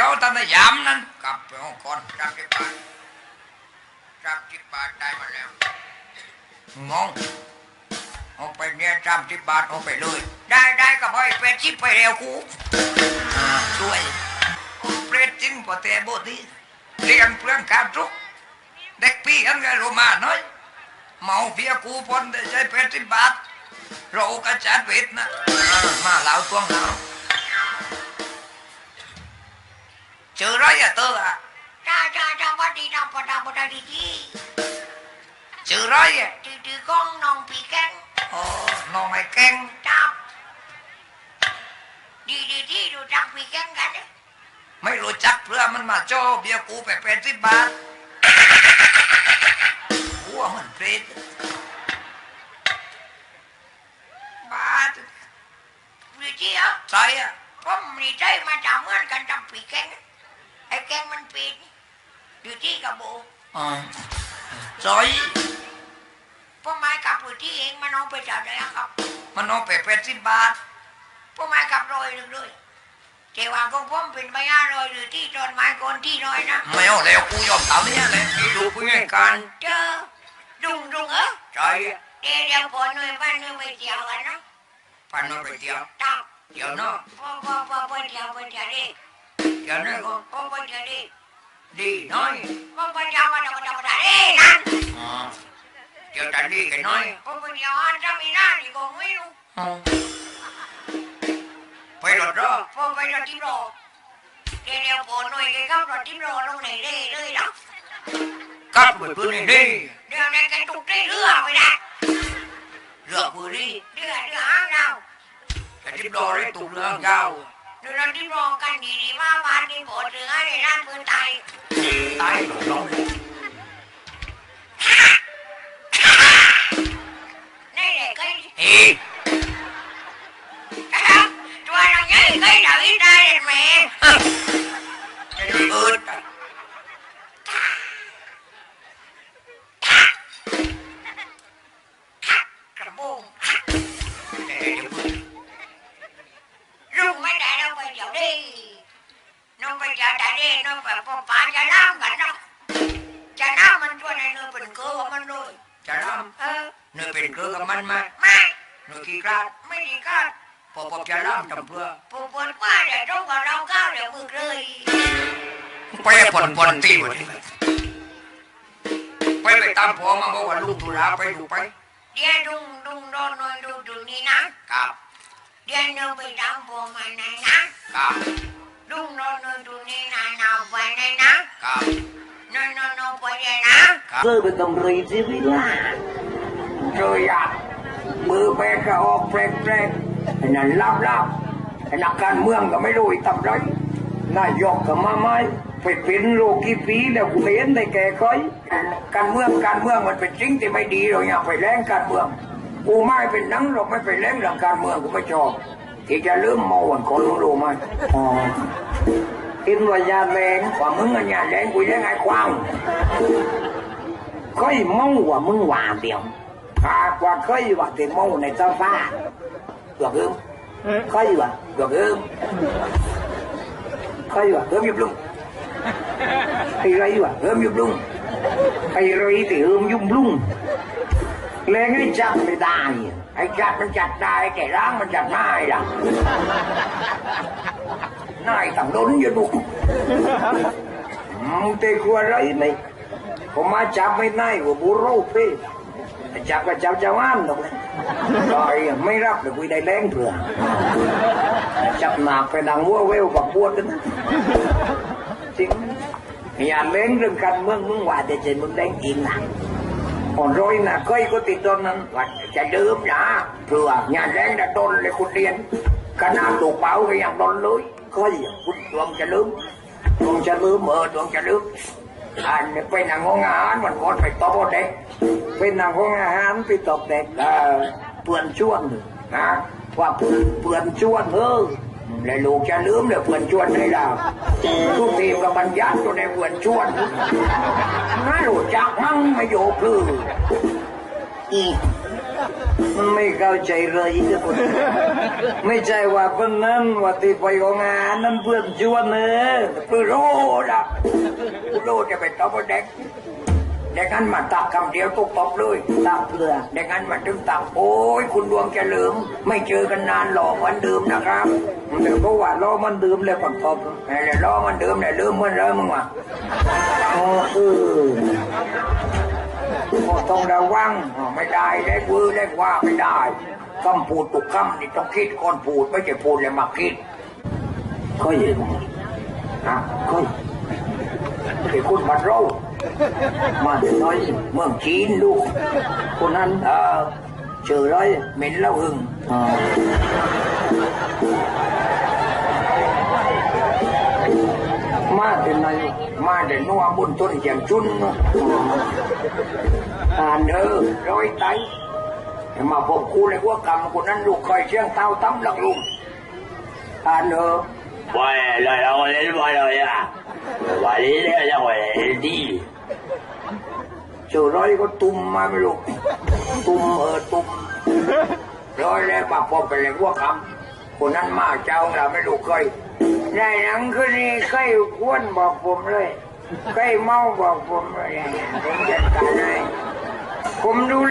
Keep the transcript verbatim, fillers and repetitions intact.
ยวท่านนายยามนั้นกลับไปห้องก่อนจับที่บ้านจับที่บ้านได้มาแล้วงงเอาไปเนี่ยจับที่บ้านเอาไปเลยได้ได้ก็พอไปชิปไปเร็วกูช่วยเปรตจริงพอแต่โบดีเรียนเพื่อนการทุกเด็กพี่อันไงรู้มาน้อยเมาเบียกูพนได้ใช้เป็ดสิบบาทเรากระจัดเวทนะมาเหล่าตัวเหล่าเจอไรอะเตออะจ้าจ้าจ้าวัดดีนะพอดาพอดาดีจีเจอไรอะจืดจืดก้องน้องปีแกงโอ้น้องไอ้แกงจับดีดีดีดูจักปีแกงกันไม่รู้จักเพื่อมันมาโจ้เบียกูไปเป็ดสิบบาทหัวมันเปรตบาทวิจิอ่ะใช่อ่ะผมมีใจมาจากเมื่อกันจำปีแกงไอ้แกงมันปีนอยู่ที่กับโบอ๋อใช่พ่อไม้กับอยู่ที่เองมันเอาไปจากไหนครับมันเอาไปเป็ดสิบบาทพ่อไม้กับรอยหนึ่งด้วยเจ้าว่าของผมเป็นใบห้าร้อยหรือที่ตอนไม้คนที่น้อยนะไม่เอาแล้วกูยอมตามนี้เลยพี่ดูกูง่ายกันเจอดุงดุงเออใช่เดี๋ยวเดี๋ยวพอหน่วยบ้านหน่วยไปเที่ยวกันนะบ้านหน่วยไปเที่ยวตับเที่ยวเนาะพ่อพ่อพ่อไปเที่ยวไปเที่ยวดิเที่ยวนี่ก็พ่อไปเที่ยวดิดีน้อยพ่อไปเที่ยวมาเที่ยวมาเที่ยวมาดินั่นเที่ยวแต่ดีกันน้อยพ่อไปเที่ยวอันจะมีหน้าดีกว่าไม่รู้ไปรถรอพ่อไปรถที่รอเดี๋ยวพอหน่วยแกขับรถที่รอลงไหนได้เลยหรอขับรถปืนไหนได้เดี๋ยวในกันตุกได้เรือไปได้เรือปืนนี่เรือเรือหางยาวแต่ที่รอได้ตุกเรือหางยาวเดี๋ยวเราที่รอกันดีดีว่าวันที่ปวดเรือในร้านปืนตายตายหลงลงนี่เด็กไอ้ตัวเราใหญ่ก็เดาอีได้เลยแม่อืดกระบุงรุ่งไม่ได้เราไปเดี๋ยวดิน้องไปเจอแต่ดิน้องไปพบป้าจะน้ำกันเนาะจะน้ำมันตัวไหนเนื้อเป็นเกลือมันเลยจะน้ำเออเนื้อเป็นเกลือกับมันมาไม่เนื้อขี้กราดไม่ขี้กราดพอพบจะล่ามจำเพื่อพอปวดว่าเดี๋ยวต้องกับเราก้าวเดี๋ยวมึงเลยไปผ่อนผ่อนตีวันนี้ไปไปตามพ่อมาบอกว่าลูกตุลาไปดูไปเดี๋ยวดุงดุงโดนหน่อยดูดูนี่นะครับเดี๋ยวเราไปตามพ่อมาไหนนะครับดุงโดนหน่อยดูนี่นายนาไปไหนนะครับนอนนอนนอนไปไหนนะเจอเป็นตำรีชีวิตล่ะเจออ่ะมือแปรกระออกแปรกแปรกไอ้นั่นลับลับไอ้นักการเมืองก็ไม่รู้อีทำไรนายกก็มาไม่ไปเป็นโลกี่ปีแล้วกูเห็นได้แก่ค่อยการเมืองการเมืองมันเป็นสิ่งที่ไม่ดีเราอย่าไปแรงการเมืองกูไม่เป็นนังหรอกไม่ไปแรงเรื่องการเมืองกูไม่ชอบที่จะลืมเมาวันคนรู้ไหมอ๋ออินวัยาแรงกว่ามึงอันยาแรงกูยังไงควางค่อยเมาว่ามึงว่าเดียวหากว่าค่อยว่าแต่เมาในเจ้าฟ้าđược không? Khơi à? Được không? Khơi à? Hớm giúp luôn. Hay rây à? Hớm giúp luôn. Hay rây thì hớm giúp luôn. Lên cái chặt thì đài. Hay chặtมันchặt đài, kẻ rángมันchặt nai à. Nai thằng đốn vô đủ. Tê khua rây này. Có má chặt mấy nai của bố rô phê. Chặt là chào chào ăn đâu. Rồiไม่รับเลยคุยได้แรงเผื่อจับหนักไปดังวัวเวลกับปวดกันนะจริงอย่าเล่นเรื่องการเมืองมึงว่าแต่เจนมึงแดงกินนะอ่อนร้อยนะเคยก็ติดตอนนั้นว่าจะดื่มนะเผื่ออย่าแรงจะโดนเลยคุณเรียนขนาดถูกเป้าก็ยังโดนเลยเคยคุณดวงจะลืมดวงจะลืมเออดวงจะลืมอันนี้เป็นนางงอาหารมันก่อนไปตบเด็กเป็นนางงอาหารไปตบเด็กเออเปื่อนชวนนะว่าเปื่อนเปื่อนชวนเออเลยลูกจะลืมเลยเปื่อนชวนให้เราทุกทีกับบรรยัติตัวในเปื่อนชวนน่าหลุดจากมั่งไม่โยคืออีมันไม่เข้าใจเลยทุกคนไม่ใช่ว่าเพื่อนนั้นว่าที่ไปของงานนั้นเพื่อนชวนเนอเพื่อนรู้ละกูรู้จะไปตบเด็กเด็กนั้นมาตักคำเดียวตุกตบเลยตักเพื่อเด็กนั้นมาถึงตักโอ้ยคุณดวงเฉลิมไม่เจอกันนานหลอกวันเดิมนะครับเดี๋ยวก็ว่าล้อมันเดิมเลยก่อนตบแล้วล้อมันเดิมแล้วลืมมันเลยมึงวะโอ้เออต้องระวังไม่ได้เล็กวือเล็กว่าไม่ได้คำพูดตุกคำนี่ต้องคิดก่อนพูดไม่ใช่พูดแล้วมาคิดก็ยินนะก็ไอ้คุณมาเรามาเดี๋ยวน้อยเมืองจีนลูกคนนั้นเออเจอร้อยเหม็นแล้วหึงมาเดี๋ยวไหนมาเดี๋ยวนัวบุญต้นเจียงจุนอ่านเด้อร้อยไตมาพบกูเลยว่ากรรมคนนั้นลูกคอยเชียงเต้าตั้มหลักลุงอ่านเด้อว่าเลยเราเล่นว่าเลยอ่ะว่าเล่นเนี่ยจะว่าดีเจอร้อยก็ตุ่มมาไม่รู้ตุ่มเออตุ่มร้อยแล้วปากพอไปเลยว่ากรรมคนนั้นมาเจ้าเราไม่รู้เคยในหนังคืนนี้เคยควนบอกผมเลยเคยเมาบอกผมเลยผมจัดการให้ผมดู